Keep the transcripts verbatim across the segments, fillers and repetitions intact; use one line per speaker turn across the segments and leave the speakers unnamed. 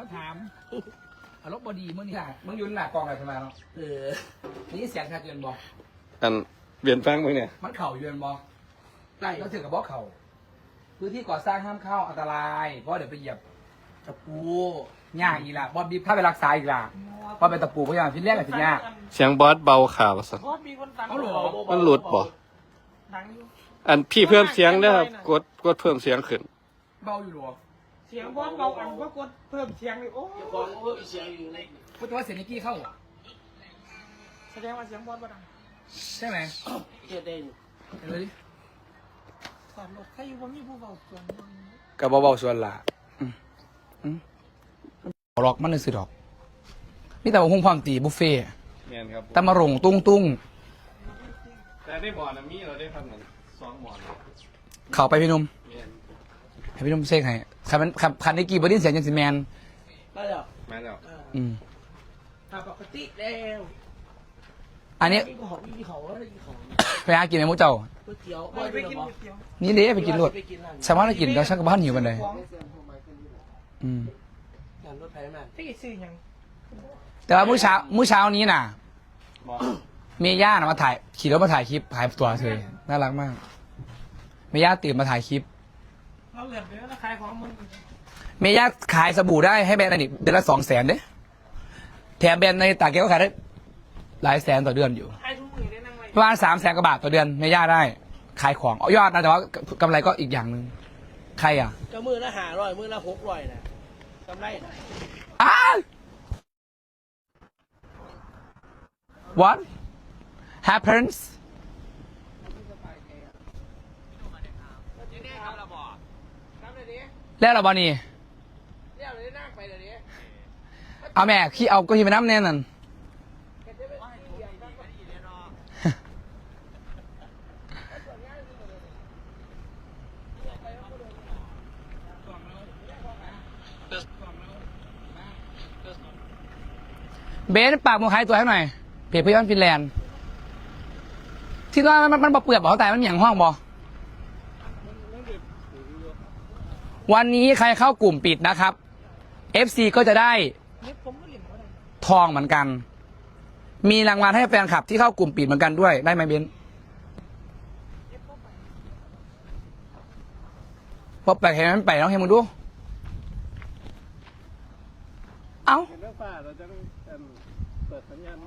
มาถามอารมณ์บดีเมื่อนี้มึงยืนหน้ากองอะไรทำไมเนาะเออนี่เสียงชัดเจนบอก
อันเปลี่ยนแปลงมึงเนี่ย
มันเข่าเยือนบอกได้ก็ถือกับบอกเข่าพื้นที่ก่อสร้างห้ามเข้าอันตรายเพราะเดี๋ยวไปเหยียบตะปูย่างอีกละบอสบีถ้าไปรักษาอีกละเพราะเป็นตะปูเพราะอย่างที่แรกกับที่ยาก
เสียงบอสเบาข่าวสัก
เพราะมีคนฟัง
เอาหรอ
มันหลุดบ่
ดังอยู่
อันพี่เพิ่มเสียงเด้อครับกดกดเพิ่มเสียงขึ้น
เบาอยู่หรอ
เสียงบอลเบาอันว่ากดเพิ่มเสียงเลยโอ้
ฟังเพิ่มเสียงอยู่ใน
พูดว่าเสียงนิกกี้เข้าอ่ะ
แสดงว่าเสียงบอลบ่ดัง
ใช่ไหม
เฮ็ดได้อยู่
เห็นเลยดิ
สอนรถใครอยู่บ่มีผู้เบาส่วน
กับเบาๆส่วนละหลอกมันเลยสิดอกนี่แต่ว่าหุ้งความตีบุฟเฟ่
เนียนครับ
ตะมารงตุ้งตุ้ง
แต่ได้บอลนะมีเราได้ทำเหมือนสองบอล
เข่าไปพี่นุ่ม
เนียน
ให้พี่นุ่มเซ็กให้คันมันคันคันนิกกี้บอดี้เสียงยังสิแมน
ได้แล้ว
มาแล้ว
อืม
ถ้าปกติแล้ว
อันนี้
มีของมีของแล้วมีของ
ไปหากินในมุกเจ้า
ก๋วยเตี๋ยว
ไปไปกินก๋วยเตี๋ยว
นี่เด้ไปกินรถ
ไปกินร้าน
สามารถกินแล้วช่างกับบ้านหิวกันเลย
ของ
อืม
ร้านรถไฟนั่น
ที่ซื้อหยัง
แต่ว่ามื้อเช้ามื้อเช้านี้น่ะ
บอล
เมย่าน่ะมาถ่ายขี่รถมาถ่ายคลิปถ่ายตัวเธอน่ารักมากเมย่าตื่นมาถ่ายคลิป
เราเหลือเดือนละขายของมึง
เมย่าขายสบู่ได้ให้แบรนด์อันนี้เดือนละสองแสนเด้แถมแบรนด์ในตากแกก็ขายได้หลายแสนต่อเดือนอยู่
ขายทุกมือได้นั่งไว้
ประมาณสามแสนกว่าบาทต่อเดือนเมย่าได้ ขายของเอายอดนะแต่ว่ากำไรก็อีกอย่างหนึ่งใครอ่ะ
ก็มือละห้าร้อยมือละหกร้อยนะกำไรนะ
อ้า What happens แล้วเราบอนี่
เรียกเลยนั่งไปเดี๋ยวนี้
เอาแม่ขี้เอาก็ขี้ไปน้ำแน่นั่นเบนปากมือหายตัวให้หน่อยเพจพยอนฟินแลนด์ที่ว่ามันมันบอเปลือกบอกแต่มันเหมียงห้องบอวันนี้ใครเข้ากลุ่มปิดนะครับ เอฟ ซี ก็จะได้
เล็บผมก็เหลี่ยมบ่ได้
ทองเหมือนกัน มีรางวัลให้แฟนคลับที่เข้ากลุ่มปิดเหมือนกันด้วยได้ไหมเบนพอแปลกเห็นมันไปน้องเห็นมึงดู เอ้า
เห็นเรื่องฟ้าเราจะต้องเปิดสัญญาณไหม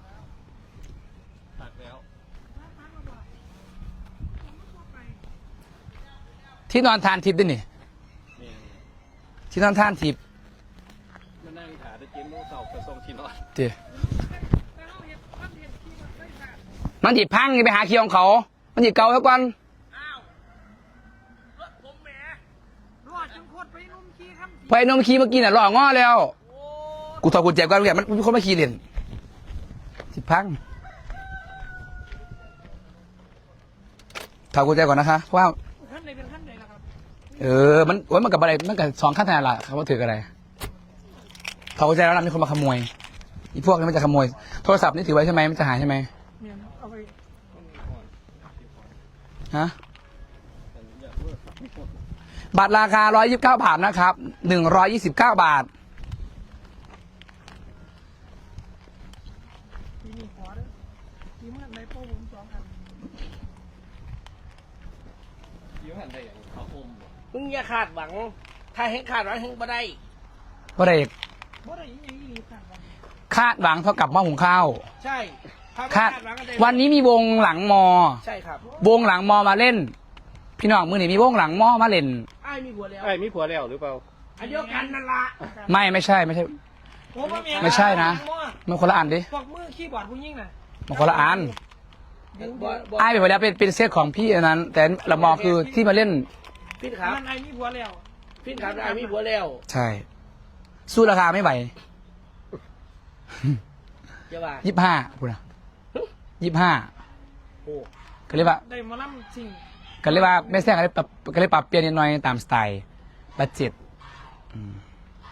ตัดแล้ว
ที่นอนทานทิพย์ด้วยนี่
เนียน
ที่นอนทานทิพย์
มานั่งถ่ายได้กินลูกเสาไปส่งที่นอน
เดี๋ยวมันหยิบพังนี่ไปหาเคียวของเขา มันหยิบเกาแล้วก่อน
อ้าวรถผมแหมรอดจังโคตรไปนุ่มขี้ครับ
ไปนมขี่เมื่อกี้น่ะหล่อง้อแล้ว กูถอดกุญแจก่อนเนี่ยมันมีคนมาขี่เล่นสิพังถอดกุญแจก่อนนะคะเพราะว่า
ขั้นไหนเป็นขั้นไหนล่ะครับ
เออ มันโอ้ยมันกับอะไร มันกับสองขั้นทางละเขาว่าถืออะไรเขาใจแล้วนะมีคนมาขโมย อีพวกนี้มันจะขโมย โทรศัพท์นี่ถือไว้ใช่ไหมมันจะหายใช่ไหม
เนี่ยเอาไป
ฮะ บัตรราคาร้อยยี่สิบเก้าบาทนะครับ หนึ่งร้อยยี่สิบเก้าบาท
ที่มีหัวด้วยที่เมื่อไรโป้ผมสองอัน
ยิ้มหันได้อย่างเขาอมบ่
มึงอย่าคาดหวัง ถ้าเห็นคาดหวังเห็นบ่ได้
ก็ได้
บ่ได้ยังอีหลีผ่านวัน
คาดหวังเท่ากับหม้อหุงข้าว
ใช่ถ้าไม่
คาด
คาดหวังก็ได้
วันนี้มีวงหลังมอ
ใช่ครับ
วงหลังมอมาเล่น พี่น้องมือนี่มีวงหลังมอมาเล่น
ไอ้ายมีผัวแล้ว
ไอ้มีผัวแล้วหรือเปล่า
อันเดียวกันนั่นละ
ไม่ไม่ใช่ไม่ใช่
ผมว่าแ
ไม่ใช่นะ มันคนละอันดิ
พวกมือคีย์บอร์ดผู้ยิ่งน่ะ
มันคนละอัน
บ่บ่
ไอ้ไปหมดแล้วเป็นเป็นเซตของพี่อันนั้น แต่ละมอคือที่มาเล่น
พินครับ
มันไอ้มีผัวแล้ว
พินครับไอ้ายมีผัวแล้ว
ใช่ สู้ราคาไม่ไหว
จะว่า
ยี่ห้าพูดนะยี่ห้า
โอ้
ก็เรียกว่า
ได้หมาล่ำสิ่ง
ก็เรียกว่าไม่แท้ก็เลยปรับก็เลยปรับเปลี่ยนนิดหน่อยตามสไตล์บัดเจ็ตอืม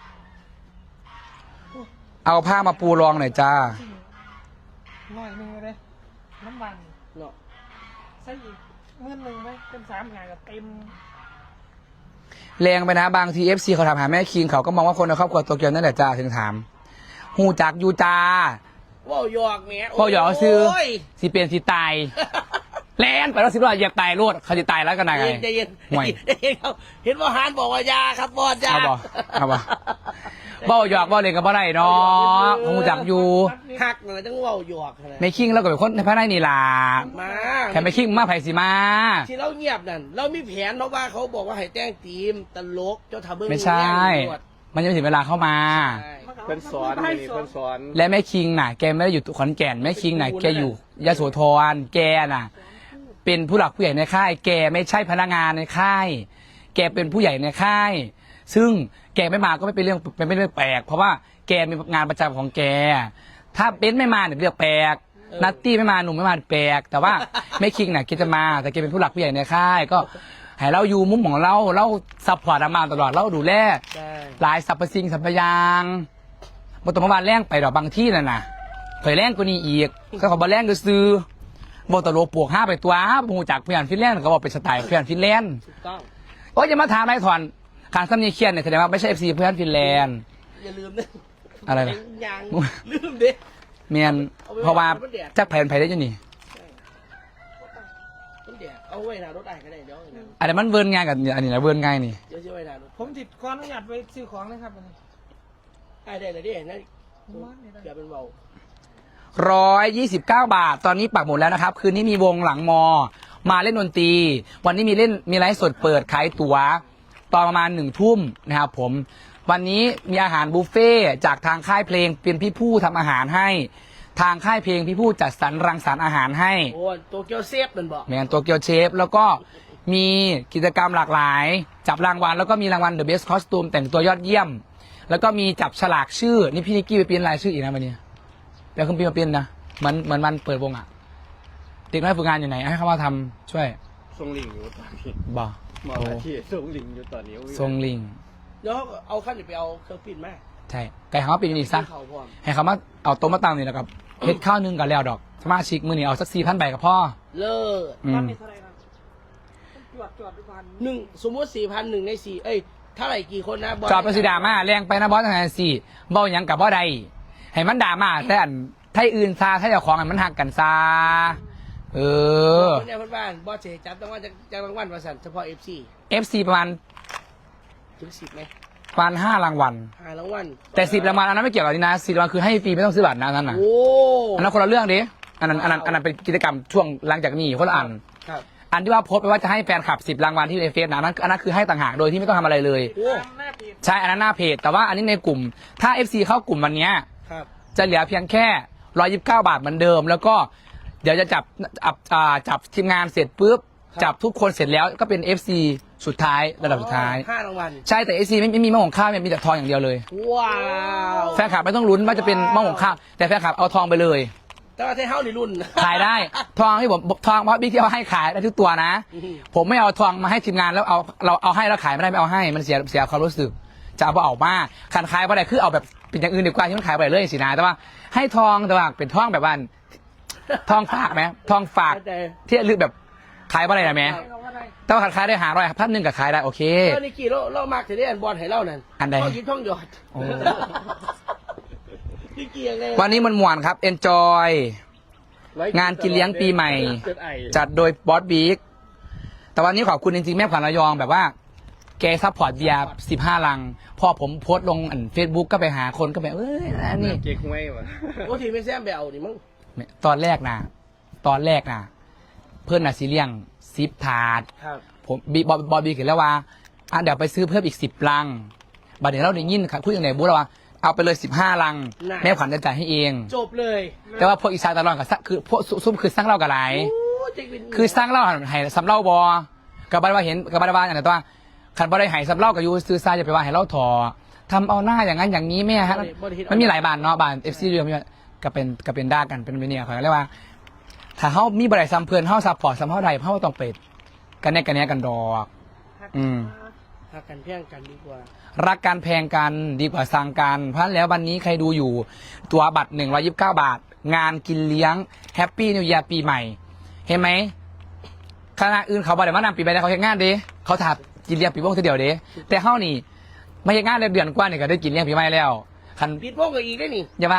เอาผ้ามาปูรองหน่อยจ้า
สิ่งหน่อยหนึงเลยน้ำมัน
เนาะ
ใส่อีกเงินหนึ่งไหมเป็นสามงานกับเต็ม
แรงไปนะบางทีเอฟซีเขาถามหาแม่คิงเขาก็มองว่าคนในครอบครัวโตเกียวนั่นแหละจ้าถึงถามหูจักยูจา
ว่าวหยอกแหม่
ว่าวหยอกซื้อ
โย
สิเป็นสิตายแลนไปแล้วสิบล้อเหยียบตายรวดเขาจะตายแล้วกันไง
ใจเย็น
ห่วย
ใจเย็นครับเห็นว่าฮานบอกว่ายาครับบอดยา
เอาบ่เอาบ่เบ้าหยอกเบ้าเล่นกับบ่ได้เนาะหูจักอยู่
หักหน่อยต้องว่าวหยอกขนาด
ไม่คิงแล้วก็เป็นคนในภายในนี่ล่ะ
มา
แค่ไม่คิงมาไผสิมา
ที่เราเงียบนั่นเรามีแผนเพราะว่าเขาบอกว่าให้แต่งทีมตลกเจ้าทาเบิ้ง
ไม่ใช่
แย่งตำรวจ
มันยังไม่ถึงเวลาเข้ามา
ใช่
เพิ่นสอนนี่เพิ่นสอน
และแม่คิงน่ะแกไม่ได้อยู่ขอนแก่นแม่คิงน่ะแกอยู่ยโสธรแกน่ะ เป็นผู้หลักผู้ใหญ่ในค่าย แกไม่ใช่พนักงานในค่าย แกเป็นผู้ใหญ่ในค่าย ซึ่งแกไม่มาก็ไม่เป็นเรื่องเป็นเรื่องแปลกเพราะว่าแกมีงานประจำของแก ถ้าเบนซ์ไม่มาเนี่ยเรื่องแปลกนัตตี้ไม่มาหนุ่มไม่มาแปลกแต่ว่าแม่คิงน่ะแกจะมาแต่แกเป็นผู้หลักผู้ใหญ่ในค่าย ก็ให้เราอยู่มุมของเราเราซัพพอร์ตอามาตลอดเราดูแล
ใช่
หลายสรรพสิ่งสรรพอยางบตรมาแรงไปดอกบางที่นั่นน่ะเคยแรงกว่านี้อีกก็เขาบอแรงก็ซื้อบตโลปวกห้าไปตัวหูจากเพื่อนฟินแลนด์ก็บอกเป็นสไตล์เพื่อนฟินแลนด์
ถูกต้อง
โอ้ยอย่ามาถามนายถอนการซ้ำเนียงเคียนเนี่ยแสดงว่าไม่ใช่เอฟซีเพื่อนฟินแลนด์
อย่าลืมนะ
อะไรล่ะ
ยังลืมดิ
เมียนเพราะว่าจักแผนไผได้อยังนี่
ต้นเดียเอาไว้หน้ารถได้ก็ได้เดี๋ยวนะ
อันนี้มันเวิร์นง่ายกับอันนี้นะเวิร์นง่ายนี่
เดี๋ยวจะไว้หน้ารถ
ผมติดขออนุญาตไปซื้อของนะครับวันนี้
ได้ได้เลยดินะเกือบเป็นเบา
ร้อยยี่สิบเก้าบาท ตอนนี้ปักหมดแล้วนะครับ คืนนี้มีวงหลังมอ มาเล่นดนตรี วันนี้มีเล่นมีไลฟ์สดเปิดขายตั๋วตอนประมาณหนึ่งทุ่มนะครับผม วันนี้มีอาหารบุฟเฟ่ต์จากทางค่ายเพลงเป็นพี่ผู้ทำอาหารให้ ทางค่ายเพลงพี่ผู้จัดสรรรังสรรค์อาหารให้
โอ้โตเกียวเซฟมันบอก
แมนตัวเกียวเชฟ แล้วก็มีกิจกรรมหลากหลาย จับรางวัลแล้วก็มีรางวัล The Best Costume แต่งตัวยอดเยี่ยม แล้วก็มีจับฉลากชื่อ นี่พี่นิกกี้ไปเปลี่ยนรายชื่ออีกนะวันนี้เดี๋ยวคุณพี่มาเปลี่ยนนะเหมือนเหมือนวันเปิดวงอ่ะเด็กน้อยฝึกงานอยู่ไหนให้เขามาทำช่วย
ทรงลิงอยู่ตอนนี้
บ่
หมออาชีพทรงลิงอยู่ตอนนี้
ทรงลิง
เดี๋ยวเอาขั้นเดี๋ยวไปเอาเครื่องปิ้นมา
ใช่ไก่เขามาปิดนี่ซะ
เขาพร้อม
ให้เขามาเอาโต๊ะมาตั้งนี่แล้วกับเฮ็ดข้าวนึ่งกับแล้วดอกสมาชิกมือนี่เอาสักสี่พันใบกับพ่อ
เลิศ
อื
วัน
ม
นี้เท่าไหร่ครับจวดจวดทุกวัน
หนึ่งสมมติสี่พันหนึ่งในสี่เอ้ยเท่าไหร่กี่คนนะบล
จอบประสิดามาแรงไปนะบอสทางานสี่เบ้าหยังกับบ่ใดให้มันด่ามาแต่อันไทยอื่นซาไทยเจ้าของให้มันหักกันซาเออ
คนเนี่ยเพื่อนบ้านบอสเจจับต้องว่าจะจะรางวัลประสันเฉพาะเอฟซี
เอฟซีประมาณ
ถึงสิบไหม
ประมาณห้ารางวัล
หารางวัล
แต่สิบรางวัลอันนั้นไม่เกี่ยวกับนี่นะสิบรางวัลคือให้ฟรีไม่ต้องซื้อบัตรนะอันนั้นนะ
โอ้
อันนั้นคนละเรื่องดิอันนั้นอันนั้นอันนั้นเป็นกิจกรรมช่วงหลังจากนี้คนละอัน
ครับ
อันที่ว่าโพสต์ไปว่าจะให้แฟนคลับสิบรางวัลที่ในเฟซนะอันนั้นอันนั้นคือให้ต่างหากโดยที่ไม่ต้องทำอะไรเลย
โอ้
ตามหน้าเพจ
ใช่อันนั้นหน้าเพจแต่ว่าอันนี้ในกลุ่ม ถ้า เอฟ ซี เข้ากลุ่มวันเนี้ย
ครับ
จะเหลือเพียงแค่ร้อยยิบเก้าบาทเหมือนเดิม แล้วก็เดี๋ยวจะจับจับอ่าจับทีมงานเสร็จปุ๊บจับทุกคนเสร็จแล้วก็เป็น เอฟ ซี สุดท้ายระดับสุดท้าย
ห้ารางวัล
ใช่แต่ เอฟ ซี ไม่ไม่มีหม้อหุงข้าวมีแต่ทองอย่างเดียวเลย
ว้าว
แฟนคลับไม่ต้องลุ้นว่าจะเป็นหม้อหุงข้าวแต่แฟนคลับเอาทองไปเลย
แต่ว่าไทยเฮ้าในรุ่น
ขายได้ทองที่ผมทองเพราะบิ๊กที่เอาให้ขายได้ทุกตัวนะ
อืม
ผมไม่เอาทองมาให้ทีมงานแล้วเอาเราเอาให้แล้วขายไม่ได้ไม่เอาให้มันเสียเสียความรู้สึกจะเอาเอามาขันขายไปได้คือเอาแบบเป็นอย่างอื่นดีกว่าที่มันขายไปเลยสินะแต่ว่าให้ทองแต่ว่าเป็นทองแบบว่าทองฝากไหมทองฝาก
แต่
ที่ลึกแบบขายไปได้ไหม
ให้เขาว่าได้
แต่ว่าขันขายได้หาร้อยพันหนึ่งกับขายได้โอเค
เออนี่กี่เราเรามากถึงได้อันบอลให้เรานั่น
อันใด
ท่องยิ้มท่องหยอด
โอ้
นี่กี่ยังไง
วันนี้มันม่วนครับ enjoy งานกินเลี้ยงปีใหม่ จัดโดยบอสบิ๊กแต่วันนี้ขอบคุณจริงๆ แม่ขวัญระยองแบบว่า แกซัพพอร์ตเบียร์สิบห้าลัง พอผมโพสต์ลงอันเฟซบุ๊กก็ไปหาคนก็แบบเอ้ยอันนี้
เก๊กห้วยวะ
โอ้ทีไม่แซมไปเอาดิมั้ง
ตอนแรกนะตอนแรกนะเพื่อนน่ะซีเลียงซิปถาด
ครับ
ผมบีบอบอบีเขียนแล้วว่าอ่ะเดี๋ยวไปซื้อเพิ่มอีกสิบลังบัดเดี๋ยวเราได้ยินครับคุยอย่างไหนบู๊แล้วว่าเอาไปเลยสิบห้าลัง แม่ขวัญจะจ่ายให้เอง
จบเลย
แต่ว่าพวกอีสานตลอดกับคือพวกซุ่มคือสร้างเล่ากับไร
โอ้เจ๊กวิน
คือสร้างเล่าให้สำเล่าบอกับบาว่าเห็นกับบาว่าอย่างไรตัวขันบาได้ให้สำเล่ากับยูซื้อซาจะไปว่าให้เล่าถอทำเอาหน้าอย่างนั้นอย่างนี้แม่ฮะมันมีหลายบานเนาะบานเอฟซีเรือมีก็เป็นก็เป็นด้ากันเป็นเวเนียเขาเรียกว่า ถ้าเขามีบริษัทซัมเพลินเขาซัพพอร์ตซัมเท่าใดเขาต้องเป็ดกันแน่กันแน่กันดอก อืม
หักกันเพียงกันดีกว่า
รักกันแพงกันดีกว่าสั่งกันเพราะฉะนั้นแล้ววันนี้ใครดูอยู่ตัวบัตรหนึ่งร้อยยิบเก้าบาท งานกินเลี้ยงแฮปปี้นิว e ย r ปีใหม่ เห็นไหมคณะอื่นเขาบอกเดี๋ยวมานำปีไปแล้วเขาเห็นงานดิเขาถามกินเลี้ยงปีโป้เท่าเดียวเด้แต่เฮานี่ไม่ใช่งานเดือนกว่านี่ก็ได้กินเลี้ยงปีใหม่แล้วคัน
ปิดวงก็อีกได้นี่
อย่ามา